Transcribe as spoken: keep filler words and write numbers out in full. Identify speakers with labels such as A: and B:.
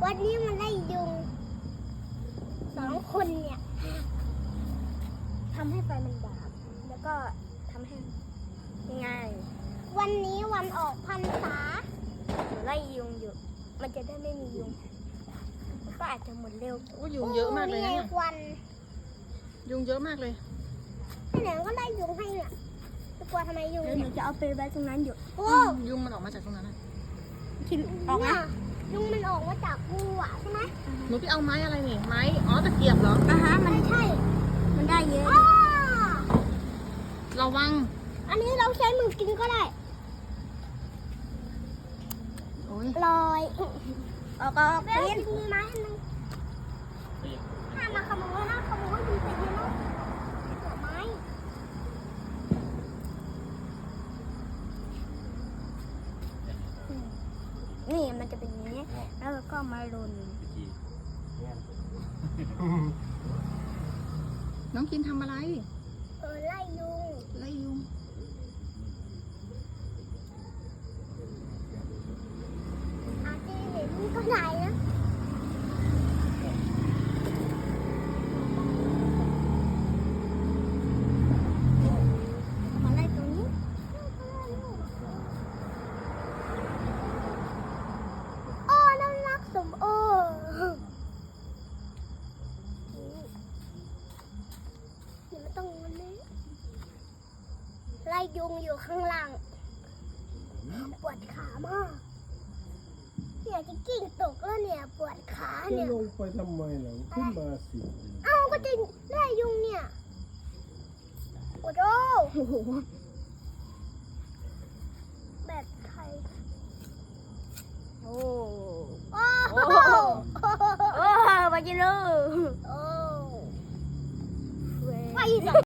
A: วันนี้มันไล่ยุงสองคนเนี่ยทำให้ไฟมันดับแล้วก็ทำให้ง่ายวันนี้วันออกพรรษาไล่ยุงอยู่มันจะได้ไม่มียุงก็อาจจะหมดเร็ว
B: โอ้ยุงเยอะมากเลยนะ
A: นี่
B: เนี่ย
A: ควัน
B: ยุงเยอะมากเลย
A: ที่ไหนก็ไล่ยุงให้เนี่ยจะกลัวทำไมยุงเดี๋ยวหนูจะเอาไปไว้ตรงนั้นอยู่โอ้
B: ยุงมันออกมาจากตรงนั้นนะ
A: ที่ออกมายุงมันออกมาจากกูอ่ะใช่ไหม
B: หนูไปเอาไม้อะไรนี่ไม้อ๋อตะเกียบเหรอ
A: อ่ะฮะมันใช่มันได้เยอะ
B: ระวัง
A: อันนี้เราใช้มือกินก็ได้
B: โอ้ย
A: ลอยออกออกไปกินไม้อันนึงห้ามมาขโมยห้ามขโมยมันเป็นยังไงหัวไม้นี่มันจะเป็นอย่างนี้แล้วเราก็มาลน
B: น้องกินทำอะไร
A: เออไล่ยุง
B: ไล่ยุง
A: อาจจะเห็นก็ได้นะมาไล่ตรงนี้โอ้น่ารักสมโอนี่ไม่ต้องวันนี้ไล่ยุงอยู่ข้างล่างปวดขามากเนี่ยจะกิ้งตกแล้วเนี่ยปวดขา
C: จะ
A: เนี่ย
C: ลงไปทำไมล่ะขึ้นมาสิ
A: เอ้าก็จะไล่ยุงเนี่ยโอ้โหแบบไทยโอ้โอ้โอ้มากินเลยโอ้ไป